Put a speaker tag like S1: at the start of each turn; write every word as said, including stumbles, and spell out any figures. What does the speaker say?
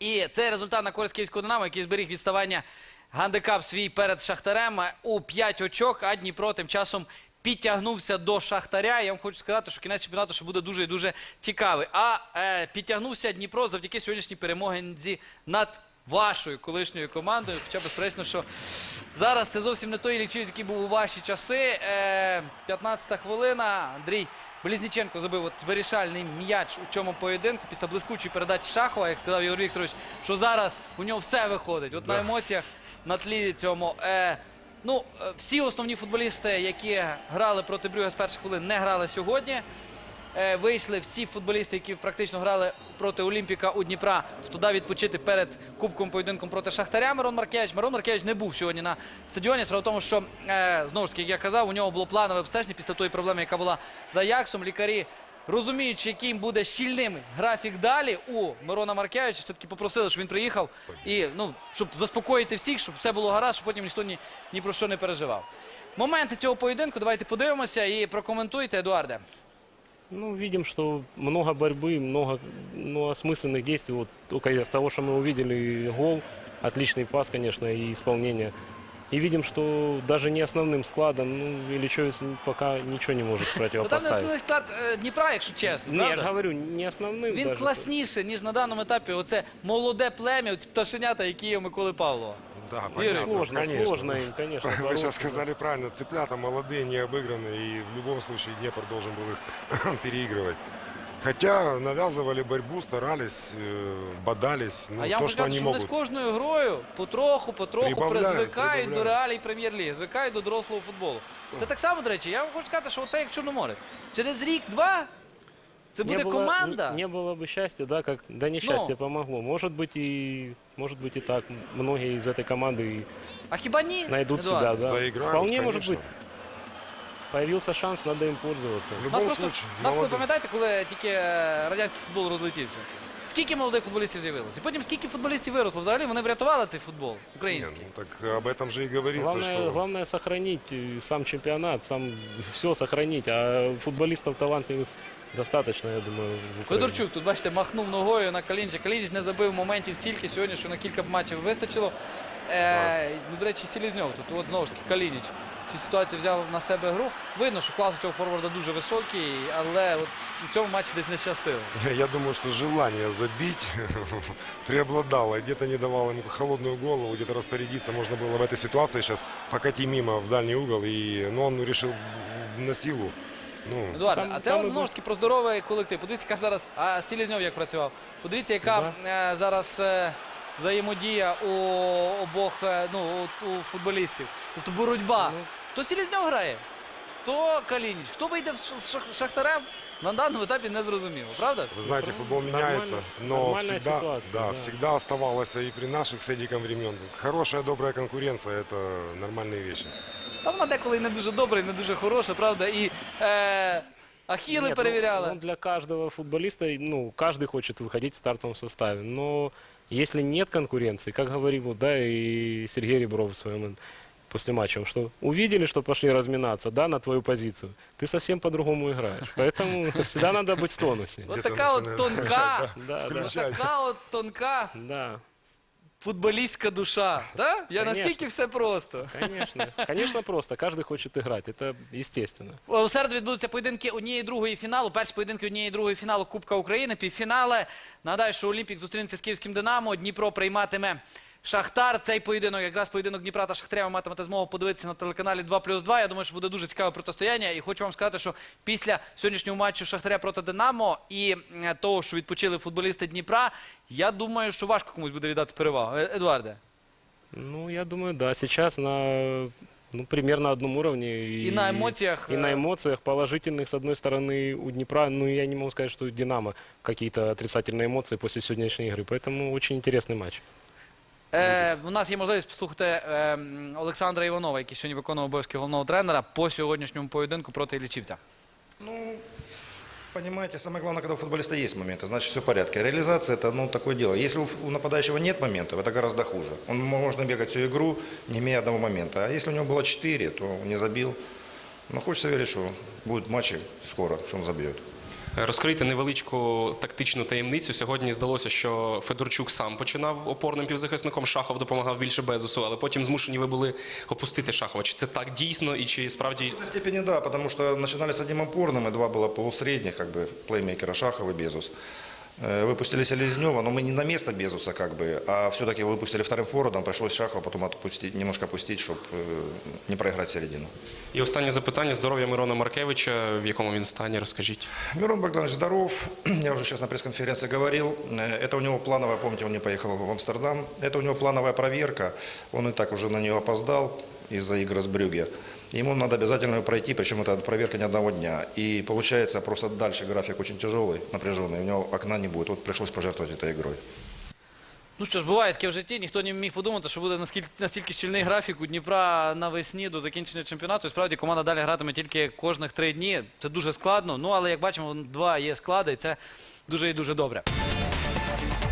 S1: І цей результат на користь київського «Динамо», який зберіг відставання гандикап свій перед Шахтарем у п'ять очок, а Дніпро тим часом підтягнувся до Шахтаря. Я вам хочу сказати, що кінець чемпіонату ще буде дуже і дуже цікавий. А е, підтягнувся Дніпро завдяки сьогоднішній перемозі над вашою колишньою командою. Хоча, безперечно, що зараз це зовсім не той Іллічівець, який був у ваші часи. Е, п'ятнадцята хвилина. Андрій Близніченко забив от вирішальний м'яч у цьому поєдинку після блискучої передачі Шахова. Як сказав Ігор Вікторович, що зараз у нього все виходить. От да. На емоціях, на тлі цьому. Е, ну, всі основні футболісти, які грали проти Брюгге з перших хвилин, не грали сьогодні. Е, вийшли всі футболісти, які практично грали проти Олімпіка у Дніпра, туди відпочити перед кубковим поєдинком проти Шахтаря. Мирон Маркевич. Мирон Маркевич не був сьогодні на стадіоні. Справа в тому, що, е, знову ж таки, як я казав, у нього було планове обстеження після тої проблеми, яка була за Аяксом. Лікарі, розуміючи, яким буде щільним графік далі у Мирона Маркевича, все-таки попросили, щоб він приїхав, і, ну, щоб заспокоїти всіх, щоб все було гаразд, щоб потім ніхто ні, ні про що не переживав. Моменти цього поєдинку давайте подивимося і прокоментуйте, Едуарде.
S2: Ну, видим, что много борьбы, много ну, осмысленных действий. Вот только из того, что мы увидели, гол, отличный пас, конечно, и исполнение. И видим, что даже не основным складом, ну, Іллічівець пока ничего не может
S1: Там не
S2: противопоставить.
S1: основний склад е, Дніпра, якщо чесно,
S2: Не, я же
S1: правда?
S2: говорю, не основным
S1: Він
S2: даже.
S1: класніше, ніж на даному етапі. Оце молоде плем'я, оці пташенята, які є у Миколи Павлова.
S3: Да,
S1: Юрий,
S3: понятно,
S2: Сложно,
S3: конечно.
S2: сложно им, конечно.
S3: Вы
S2: бороться.
S3: сейчас сказали правильно, цыплята молодые, не обыгранные, и в любом случае Днепр должен был их переигрывать. Хотя навязывали борьбу, старались, э, бодались, ну,
S1: А я
S3: то,
S1: можу
S3: что
S1: сказати,
S3: они
S1: що вони з
S3: могут.
S1: кожною грою потроху, потроху
S3: Прибавляють,
S1: призвикають до
S3: прибавляють.
S1: реалій прем'єр-ліги, звикають до дорослого футболу. Це так само, до речі, я вам хочу сказати, що оце як Чорноморець. Через рік-два це буде
S2: не было,
S1: команда.
S2: Не, не было бы счастья, да, как да несчастье помогло. Может быть и может быть и так. Многие из этой команды
S1: А хіба ні?
S2: найдут
S1: Едуард?
S2: себя, да.
S3: Заиграют,
S2: Вполне может
S3: конечно.
S2: быть. Появился шанс, надо им пользоваться.
S3: В
S1: Нас
S3: любом
S1: просто,
S3: случае,
S1: нас коли
S3: молодые.
S1: пам'ятаєте, коли тільки е, радянський футбол розлетівся? Скільки молодих футболістів з'явилося? І потім скільки футболістів виросло? Взагалі вони врятували цей футбол
S3: Не,
S1: український.
S3: ну, так об этом же и говорится,
S2: Главное,
S3: что...
S2: главное сохранить э, сам чемпионат, сам все сохранить. А футболистов талантливых достаточно, я думаю, в Украине.
S1: Федорчук, тут, бачите, махнув ногою на Калініча. Калініч не забив моментів стільки сьогодні, що на кілька матчів вистачило. Е, ну, до речі, Селезньов тут, от знову ж таки, Калініч в цій ситуації взяв на себе гру. Видно, що клас у цього форварда дуже високий, але от у цьому матчі десь не щастило.
S3: Я думаю, что желание забить преобладало, и где-то не давало ему холодную голову, где-то распорядиться можно было в этой ситуации сейчас покати мимо в дальний угол, и, ну, он решил на силу. Ну,
S1: Едуард,
S2: Там-
S1: а це
S2: там
S1: от,
S2: і
S1: знову
S2: був-
S1: ж таки про здоровий колектив. Подивіться, яка зараз, а Селезньов як працював. Подивіться, яка е, зараз е, взаємодія у обох е, ну, у, у футболістів. Тобто боротьба.
S2: Ну.
S1: То Селезньов грає, то Калініч. Хто вийде з Шах- Шахтарем, на даному етапі не зрозуміло, правда?
S3: Вы знаете, футбол
S2: Нормально-
S3: меняется, но
S2: нормальная
S3: всегда,
S2: ситуация,
S3: да,
S2: да.
S3: всегда оставалось и при наших с Эдиком времен. Хорошая, добрая конкуренция – это нормальные вещи.
S1: Та вона деколи і не дуже добра, і не дуже хороша, правда? І е, Ахіли
S2: Нет,
S1: перевіряли.
S2: ну, ну, для каждого футболиста, ну, каждый хочет выходить в стартовом составе. Но если нет конкуренции, как говорил вот, да, и Сергей Ребров в своем после матча, что увидели, что пошли разминаться, да, на твою позицию, ты совсем по-другому играешь. Поэтому всегда надо быть в тонусе.
S1: От
S3: Где-то
S1: така от
S3: начинает
S1: тонка,
S2: Да, да,
S1: от
S3: включать.
S1: така от тонка
S2: да,
S1: футболістська душа. Да? Я
S2: Конечно.
S1: наскільки все просто.
S2: конечно. Конечно, просто. Каждый хочет играть. Это естественно.
S1: У середу відбудуться поєдинки однієї другої фіналу. Перші поєдинки однієї другої фіналу Кубка України. Півфінали. Нагадаю, що Олімпік зустрінеться з київським Динамо. Дніпро прийматиме Шахтар. Цей поєдинок, якраз поєдинок Дніпра та Шахтаря, ви матимете змогу подивитися на телеканалі два плюс два. Я думаю, що буде дуже цікаве протистояння. І хочу вам сказати, що після сьогоднішнього матчу Шахтаря проти Динамо і е, того, що відпочили футболісти Дніпра, я думаю, що важко комусь буде віддати перевагу. Е, Едуарде.
S2: Ну, я думаю, да. Сейчас на ну, примерно одном уровне.
S1: И на эмоциях,
S2: И на
S1: э,
S2: эмоциях положительных, с одной стороны, у Днепра. Ну, я не могу сказать, что у Динамо какие-то отрицательные эмоции после сегодняшней игры. Поэтому очень интересный матч.
S1: Е, у нас є можливість послухати е, Олександра Іванова, який сьогодні виконував обов'язки головного тренера по сьогоднішньому поєдинку проти Іллічівця.
S4: Ну, понимаете, самое главное, когда у футболиста есть моменты, значит все в порядке. Реализация – это ну, такое дело. Если у, у нападающего нет моментов, это гораздо хуже. Он можно бегать всю игру, не имея одного момента. А если у него было четыре, то не забил. Но хочется верить, что будут матчи скоро, что он забьет.
S5: Розкрити невеличку тактичну таємницю. Сьогодні здалося, що Федорчук сам починав опорним півзахисником, Шахов допомагав більше Безусу, але потім змушені ви були опустити Шахова. Чи це так дійсно і чи справді...
S4: В какой-то степени да, потому что начинали с одним опорным, и два было полусредних, как бы, плеймейкера Шахов и Безус. Э, Выпустили Селезнева, но мы не на место Безуса, как бы, а все-таки выпустили вторым форвардом, пришлось Шахова потом отпустить, немножко опустить, чтобы не проиграть середину.
S5: І останнє запитання. Здоров'я Мирона Маркевича, в якому він стані, розкажіть.
S4: Мирон Богданович здоров, я уже сейчас на пресс-конференции говорил, Э, это у него плановая, помните, он не поехал в Амстердам, это у него плановая проверка, он и так уже на нее опоздал из-за игры с Брюгге. Ему надо обязательно ее пройти, причем это проверка не одного дня. И получается, просто дальше график очень тяжелый, напряженный, у него окна не будет, вот пришлось пожертвовать этой игрой.
S1: Ну що ж, буває таке в житті. Ніхто не міг подумати, що буде наскільки, настільки щільний графік у Дніпра навесні до закінчення чемпіонату. І справді команда далі гратиме тільки кожних три дні. Це дуже складно. Ну, але як бачимо, два є склади, і це дуже і дуже добре.